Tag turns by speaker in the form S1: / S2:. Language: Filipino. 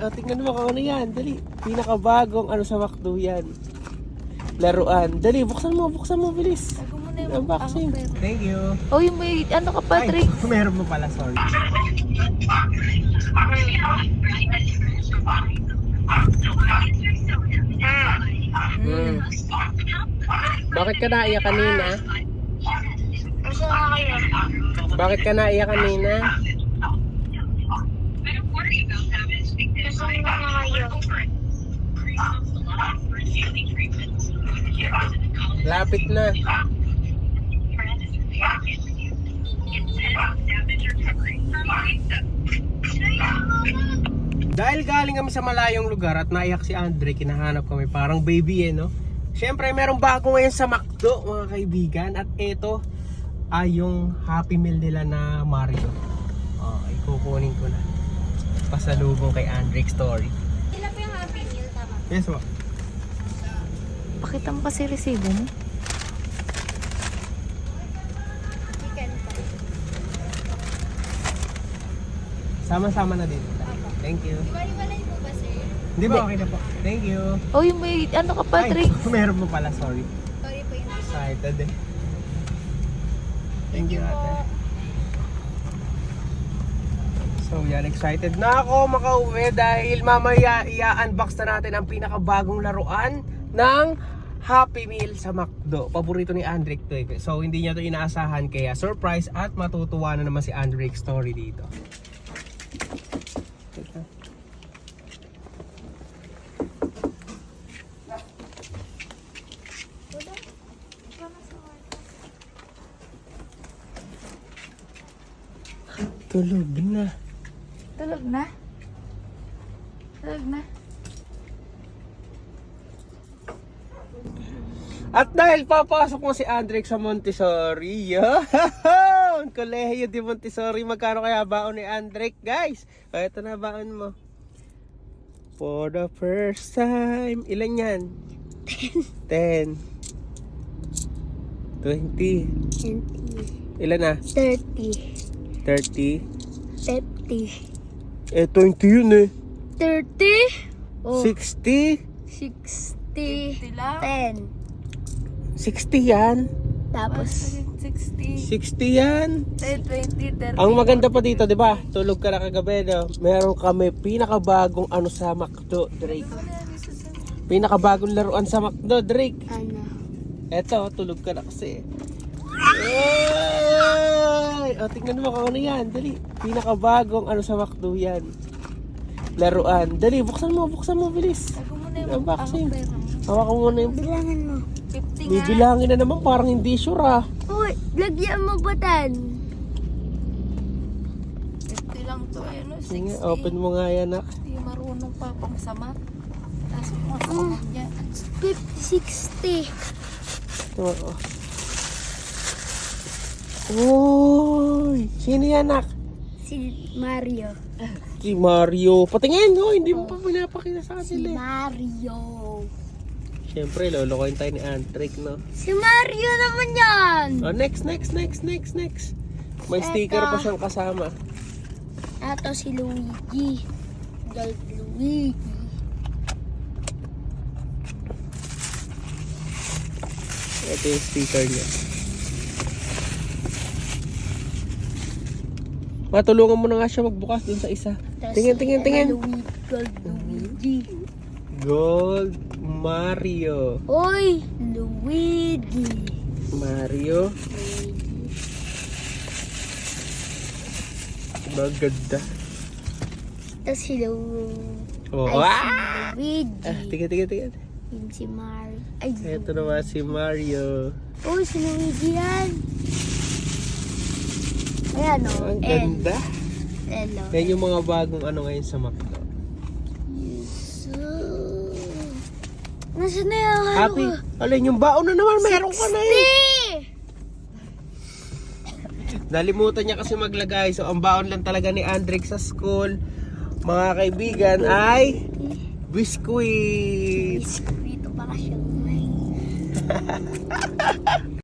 S1: O, tingnan mo kung ano yan. Dali. Pinakabagong ano sa McDo yan. Laruan. Dali, buksan mo, bilis.
S2: Tago mo na yung
S1: Unboxing. Thank you.
S2: Oh, yung may, ano ka pa, Trix?
S1: Ay, meron mo pala, sorry. Bakit ka naiyak kanina?
S3: Gusto na kayo.
S1: Bakit ka naiyak kanina?
S3: Gusto na kayo.
S1: Lapit na. Dahil galing kami sa malayong lugar at naiyak si Andre, kinahanap kami parang baby no? Siyempre merong bago ngayon sa McDo mga kaibigan. At ito ay yung Happy Meal nila na Mario. Okay, kukunin ko na. Pasalubong kay Andre Story.
S3: Sila po yung Happy Meal, tama?
S1: Yes po.
S2: Pakita mo kasi resibo mo.
S3: Chicken pa.
S1: Sama-sama na din. Thank you.
S3: Iwalay po ba, sir?
S1: Hindi ba okay na po? Thank you.
S2: Oh, yung may, ano ka pa, Trix?
S1: Meron mo pala, sorry.
S3: Sorry po yung
S1: Excited eh. Thank you ate. So yan, excited na ako makauwi dahil mamaya i-unbox na natin ang pinakabagong laruan ng Happy Meal sa McDo. Paborito ni Andrick to eh. So hindi niya to inaasahan kaya surprise at matutuwa na naman si Andrick Story dito. Tulog na.
S2: Tulog na? Tulog na?
S1: At dahil papasok mo si Andrick sa Montessori, yun! Kolehiyo di Montessori, magkano kaya baon ni Andrick, guys? O, ito na baon mo. For the first time, ilan yan? 10. 20.
S3: 20.
S1: Ilan na?
S3: 30.
S1: 30.
S3: 50.
S1: Eh, 20 yun eh.
S3: 30. Oh.
S1: 60.
S3: 60.
S2: 50 lang?
S3: 10.
S1: 60 yan.
S3: Tapos,
S2: 60.
S1: 60 yan.
S2: 10, 20, 30.
S1: Ang maganda pa dito, 'di ba? Tulog ka na kagabi, no? Meron kami pinakabagong ano sa McDo, Drake. Pinakabagong laruan sa McDo, Drake.
S3: ano?
S1: Eto, tulog ka na kasi. Ay! O, tingnan mo kung ano yan. Dali. Pinakabagong ano sa McDo yan. Laruan. Dali, buksan mo, bilis.
S2: Tago mo na yung
S1: Unboxing.
S2: pera mo.
S1: Hawakan mo na yung...
S3: Bilangan mo.
S2: 50 nga.
S1: Bibilangin na naman, parang hindi sure ah.
S3: Uy, lagyan mo batan.
S2: 50 lang to. Ayun, no? 60.
S1: Sige, open mo nga yan, nak.
S2: Hindi marunong pa pang samat. Tapos mo sa kamot niya.
S3: 60.
S1: Oo. Uy! Sino yan, nak?
S3: Si Mario.
S1: Si Mario. Patingin, no? Hindi mo pa pinapakita sa
S3: Si
S1: kanila.
S3: Mario.
S1: Siyempre, lolokohin tayo ni Andrick, no?
S3: Si Mario naman yan.
S1: Oh, next. May sticker pa siyang kasama.
S3: Ito si Luigi. Gold Luigi.
S1: Ito yung sticker niya. Matulungan mo na nga siya magbukas dun sa isa.
S3: Tas
S1: Tingin.
S3: Gold Luigi.
S1: Gold Mario.
S3: Oy, Luigi.
S1: Mario. Maganda.
S3: Tapos si
S1: Oh,
S3: Ay,
S1: ah!
S3: si Luigi.
S1: Tingin.
S3: Yun si Mario. Ay,
S1: Ito naman si Mario.
S3: oh, si Luigi yan. Ayan o.
S1: Ang ganda.
S3: Hello.
S1: Yan yung mga bagong ano ngayon sa McDo.
S3: Yes. Nasaan na yung ano
S1: Happy.
S3: ko?
S1: Alin, yung baon na naman. Meron ka na eh. Nalimutan niya kasi maglagay. So, ang baon lang talaga ni Andrick sa school, mga kaibigan, ay biskuit.
S3: Dito pa ka siya.